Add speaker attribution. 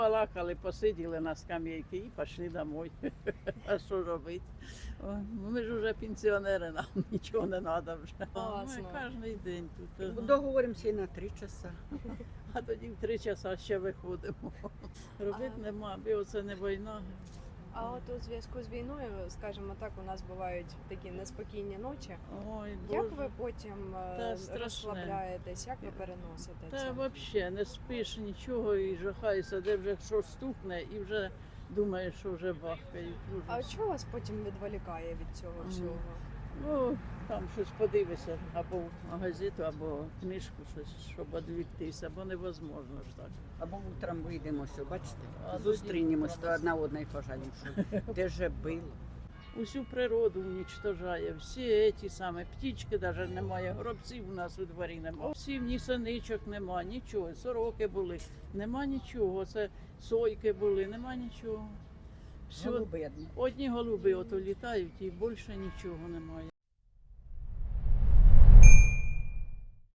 Speaker 1: Балакали, посиділи на скам'яйки і пішли домой. А що робити? Ми ж вже пенсіонери, нам нічого не треба вже.
Speaker 2: Класно.
Speaker 1: Ми кожен день тут.
Speaker 3: Договоримося і на 3 часа.
Speaker 1: А тоді в 3 часа ще виходимо. Робити нема, бо це не війна.
Speaker 2: А от у зв'язку з війною, скажімо так, у нас бувають такі неспокійні ночі.
Speaker 1: Ой,
Speaker 2: Як
Speaker 1: Боже.
Speaker 2: ви потім
Speaker 1: Та страшне.
Speaker 2: розслабляєтесь, як ви переносите
Speaker 1: Та
Speaker 2: це?
Speaker 1: взагалі не спиш нічого і жахаєшся, де вже щось стукне і вже думаєш, що вже бахкають.
Speaker 2: А
Speaker 1: Ужас.
Speaker 2: що вас потім відволікає від цього всього?
Speaker 1: Ну, там щось подивишся, або газету, або книжку, щось, щоб відвіктися, бо невозможно ж так.
Speaker 3: Або утром вийдемося, бачите?
Speaker 1: А
Speaker 3: Зустрінемось,
Speaker 1: тоді
Speaker 3: то одна одної пожаліємо, що де же було.
Speaker 1: Усю природу уничтожає, всі ті самі птічки, навіть немає, горобців у нас у дворі немає. Всі ні синичок нема, нічого, сороки були, нема нічого, це сойки були, нема нічого. Все,
Speaker 3: Голуби одні.
Speaker 1: одні голуби ото літають і більше нічого немає.